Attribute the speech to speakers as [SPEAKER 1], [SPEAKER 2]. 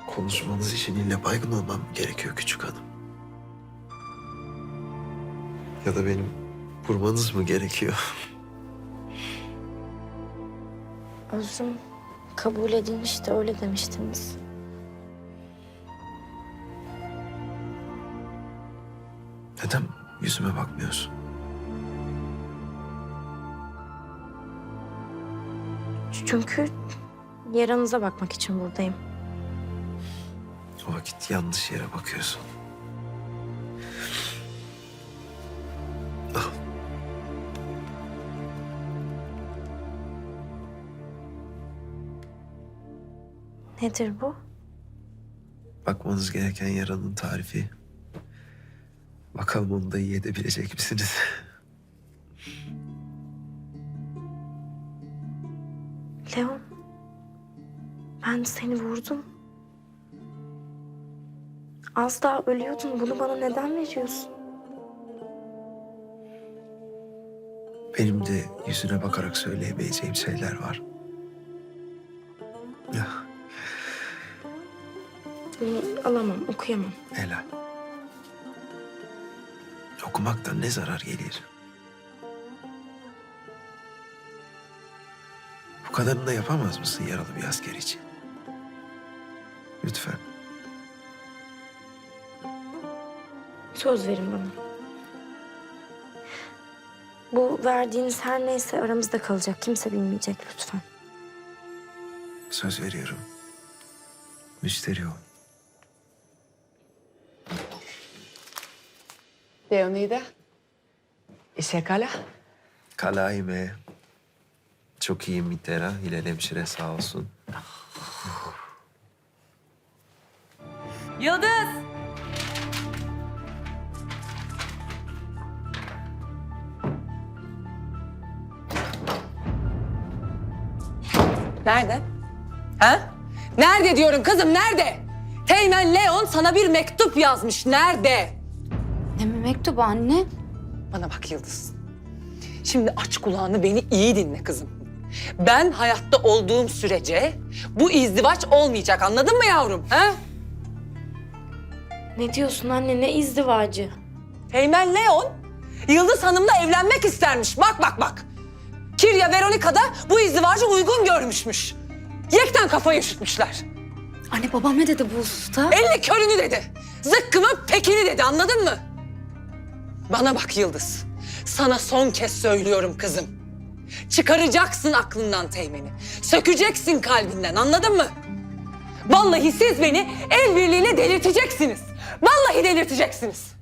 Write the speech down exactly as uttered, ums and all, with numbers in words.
[SPEAKER 1] Konuşmanız için illa baygın olmam gerekiyor küçük hanım. Ya da benim vurmanız mı gerekiyor?
[SPEAKER 2] Özrüm kabul edilmiş de öyle demiştiniz.
[SPEAKER 1] Neden yüzüme bakmıyorsun?
[SPEAKER 2] Çünkü yaranıza bakmak için buradayım.
[SPEAKER 1] O vakit yanlış yere bakıyorsun. Al.
[SPEAKER 2] Nedir bu?
[SPEAKER 1] Bakmanız gereken yaranın tarifi. Bakalım onu da iyi edebilecek misiniz?
[SPEAKER 2] Leon, ben seni vurdum. Az daha ölüyordun. Bunu bana neden veriyorsun?
[SPEAKER 1] Benim de yüzüne bakarak söyleyemeyeceğim şeyler var. Ya,
[SPEAKER 2] Bunu alamam, okuyamam.
[SPEAKER 1] Ela. Okumaktan ne zarar gelir? Bu kadarını da yapamaz mısın yaralı bir asker için? Lütfen.
[SPEAKER 2] Söz verin bana. Bu verdiğiniz her neyse aramızda kalacak. Kimse bilmeyecek lütfen.
[SPEAKER 1] Söz veriyorum. Müşteri ol.
[SPEAKER 3] Leonida, ¿y Kala?
[SPEAKER 1] Kalayime. Çok iyi Mitera. Hilal hemşire sağ olsun.
[SPEAKER 4] Yıldız! Nerede? Ha? Nerede diyorum kızım, nerede? Teğmen Leon sana bir mektup yazmış. Nerede?
[SPEAKER 5] Ne mektubu anne?
[SPEAKER 4] Bana bak Yıldız. Şimdi aç kulağını, beni iyi dinle kızım. Ben hayatta olduğum sürece bu izdivaç olmayacak, anladın mı yavrum? Ha?
[SPEAKER 2] Ne diyorsun anne? Ne izdivacı?
[SPEAKER 4] Teğmen Leon Yıldız Hanım'la evlenmek istermiş. Bak bak bak. Kirya Veronica da bu izdivacı uygun görmüşmüş. Yekten kafayı üşütmüşler.
[SPEAKER 5] Anne babam ne dedi bu hususta?
[SPEAKER 4] Elle körünü dedi. Zıkkımın pekini dedi, anladın mı? Bana bak Yıldız. Sana son kez söylüyorum kızım. Çıkaracaksın aklından Teğmen'i. Sökeceksin kalbinden, anladın mı? Vallahi siz beni el birliğiyle delirteceksiniz. Vallahi delirteceksiniz.